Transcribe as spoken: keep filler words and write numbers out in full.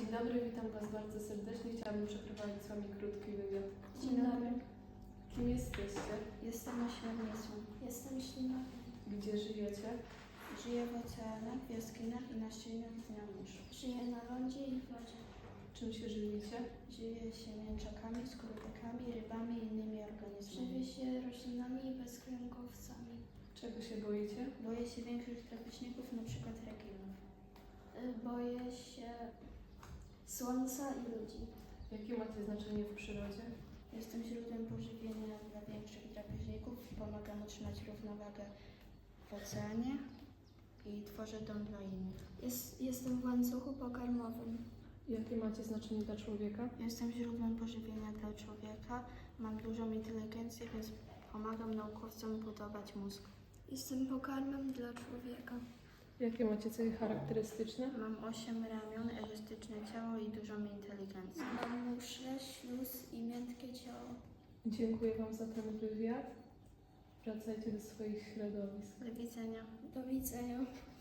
dobry, witam Was bardzo serdecznie. Chciałabym przeprowadzić z Wami krótki wywiad. Dzień dobry. Kim jesteście? Jestem ośmiornicą. Jestem ślimakiem. Gdzie żyjecie? Żyję w oceanach, w jaskiniach i na ścianach dnia mórz. Żyję na lądzie i w wodzie. Czym się żywicie? Żyję się mięczakami, skorupekami, rybami i innymi organizmami. Żywię się roślinami i bezkręgowcami. Czego się boicie? Boję się większych drapieżników, np. rekinów. Boję się słońca i ludzi. Jakie macie znaczenie w przyrodzie? Jestem źródłem pożywienia dla większych drapieżników, pomagam utrzymać równowagę w oceanie i tworzę dom dla innych. Jest, jestem w łańcuchu pokarmowym. Jakie macie znaczenie dla człowieka? Jestem źródłem pożywienia dla człowieka, mam dużą inteligencję, więc pomagam naukowcom budować mózg. Jestem pokarmem dla człowieka. Jakie macie cechy charakterystyczne? Mam osiem ramion, elastyczne ciało i dużą inteligencję. Mam muszle, śluz i miętkie ciało. Dziękuję Wam za ten wywiad. Wracajcie do swoich środowisk. Do widzenia. Do widzenia.